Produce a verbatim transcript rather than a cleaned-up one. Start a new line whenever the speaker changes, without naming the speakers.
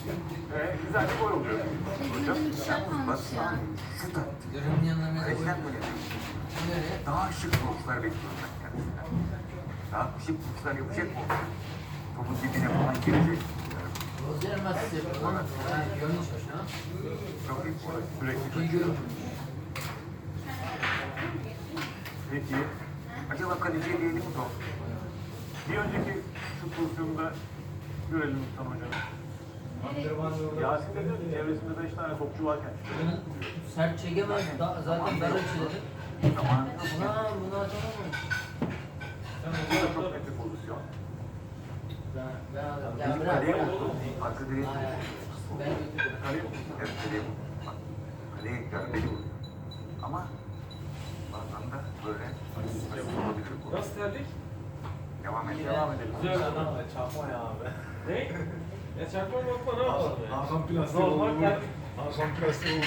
Ee, güzel bir gol oluyor. Hocam.
Benim bir şey kalmış ya.
Şu da
Görünün yanına mesela
Kaleciler
koyun.
böyle
Nereye?
daha şık vuruşlar bekliyorum ben kendisinden. Daha şık vuruşlar yapacak mı? Topun dibine falan girecek.
Rozier nasıl yapıyor lan? Ha, görmüş hoş ha.
Çok iyi.
Sürekli
İyi görmüş.
Peki.
Acaba kaleciye değdi mi top?
Bir önceki şut pozisyonunda görelim Mustafa Hocam. Yasin dedi ki çevresinde beş tane topçu varken.
Bunun sert çekemez. Da, zaten dar açılır.
Zamanında
Buna, buna atamam.
Bu da çok net bir pozisyon.
Ben, ben alırım. Ya
bizim
bırak.
kaleye vurdu. Arka direğe
Hayır, hayır.
vurdu.
Ben götürürüm.
Hani
Evet kaleye vurdu. Bak, kaleye garbeli vurdu. Ama bazen de böyle nasıl olabilir bu?
Nasıl terlik?
Devam edelim.
devam edelim.
Güzel adam da çakma ya abi. Ne? Ya çakma bakma ne yapalım ya?
Hakan plastik
Normal
oldu.
terlik.
Hakan plastik oldu